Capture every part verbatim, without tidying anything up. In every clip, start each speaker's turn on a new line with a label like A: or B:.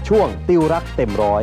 A: ช่วงติวรักเต็มร้อย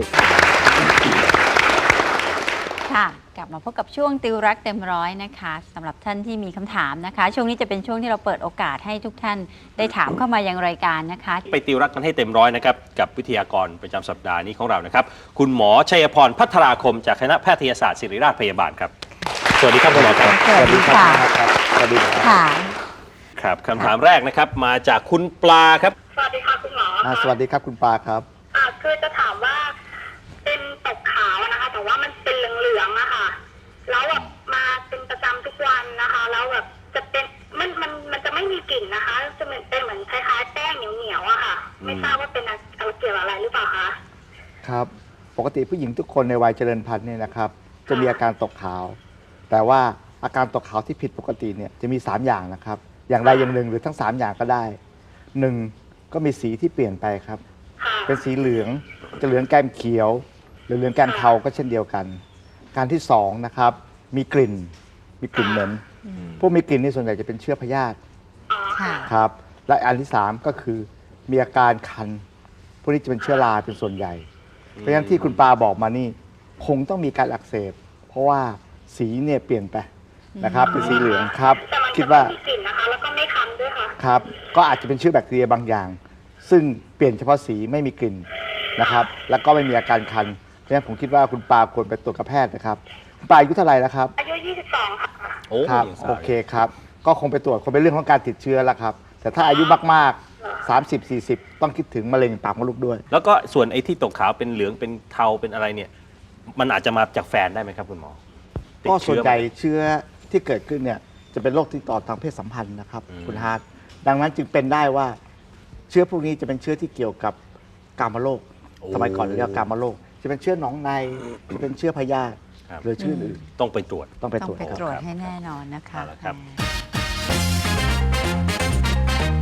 B: ค่ะกลับมาพบกับช่วงติวรักเต็มร้อยนะคะสำหรับท่านที่มีคำถามนะคะ ช่วงนี้จะเป็นช่วงที่เราเปิดโอกาสให้ทุกท่านได้ถามเข้ามายังรายการนะคะ
C: ไปติวรักกันให้เต็มร้อยนะครับกับวิทยากรประจำสัปดาห์นี้ของเรานะครับคุณหมอชัยพรพัทราคมจากคณะแพทยศาสตร์ศิริราชพยาบาลครับสวัสดีครับคุณหมอครับ
B: สวัสดีค่ะ
A: สวัสดีครับ
B: ค่ะ
C: ครับคำถามแรกนะครับมาจากคุณปลาครับ
D: สวัสดีค่ะคุณหมอ
A: อ่า
D: ค่ะ
A: สวัสดีครับคุณปาครับ
D: อ่าคือจะถามว่าเป็นตกขาวนะคะ แต่ว่ามันเป็นเหลืองๆอะค่ะแล้วแบบมาเป็นประจำทุกวันนะคะ แล้วแบบจะเป็นมันมันมันจะไม่มีกลิ่นนะคะ จะเป็นเป็นเหมือนคล้ายๆแป้งเหนียวๆอะค่ะ ไม่ทราบว่าเป็นอะไรเกี่ยวอะไรหรือเปล่าคะ
A: ครับ ปกติผู้หญิงทุกคนในวัยเจริญพันธุ์เนี่ยนะครับ จะมีอาการตกขาว แต่ว่าอาการตกขาวที่ผิดปกติเนี่ยจะมีสามอย่างนะครับ อย่างใดอย่างหนึ่งหรือทั้งสามอย่างก็ได้หนึ่งก็มีสีที่เปลี่ยนไปครับ
D: ค่ะ
A: เป็นสีเหลืองจะเหลืองแก้มเขียว หรือเหลืองแก้มเทาก็เช่นเดียวกัน การที่สองนะครับมีกลิ่นมีกลิ่นเหม็นพวกมีกลิ่นนี่ส่วนใหญ่จะเป็นเชื้อพยาธิ
D: อ๋อ
B: ค่ะ
A: ครับและอันที่สามก็คือมีอาการคันพวกนี้จะเป็นเชื้อราเป็นส่วนใหญ่ เพราะฉะนั้นที่คุณปาบอกมานี่คงต้องมีการอักเสบ เพราะว่าสีเนี่ยเปลี่ยนไปนะครับเป็นสีเหลืองครับ
D: แต่มัน
A: คิด
D: จะ
A: ว่า
D: ไม่มีกลิ่นนะคะ แล้วก็ไม่คันด้วยค่ะ
A: ครับก็อาจจะเป็นเชื้อแบคทีเรียบางอย่าง ซึ่งเปลี่ยนเฉพาะสีไม่มีกลิ่นนะครับแล้วก็ไม่มีอาการคันเพราะฉะนั้นผมคิดว่าคุณปาควรไปตรวจกับแพทย์นะครับคุณปาอายุเท่าไหร่แล้วครับ
D: อายุยี่สิบสองค่ะ
C: โอ้
A: ครับ
C: ยังสาว
A: โอเคครับก็คงไปตรวจคงเป็นเรื่องของการติดเชื้อแล้วครับแต่ถ้าอายุมากๆ สามสิบ สี่สิบ ต้องคิดถึงมะเร็งปากมดลูกด้วย
C: แล้วก็ส่วนไอ้ที่ตกขาวเป็นเหลืองเป็นเทาเป็นอะไรเนี่ยมันอาจจะมาจากแฟนได้ไหมครับคุณหมอติด
A: ก็ส่วน
C: เชื้อ
A: ใหญ่เชื้อที่เกิดขึ้นเนี่ยจะเป็นโรคติดต่อทางเพศสัมพันธ์นะครับ
C: อืม
A: คุณฮาร์ดดังนั้นจึงเป็นได้ว่าเชื้อพวกนี้จะเป็นเชื้อที่เกี่ยวกับกามโรคสมัยก่อนเรียกว่ากามโรคจะเป็นเชื้อหนองในจะเป็นเชื้อพยาธิ
C: ครับ
A: หรือเชื่ออื่น
C: ต้องไปตรวจ
A: ต้องไป
B: ต้อ
A: ตรว
B: ง
A: จ
B: ไป
A: ครับ
B: ตรวจให้แน่นอนนะคะ
C: เอาละครับ
B: อ่า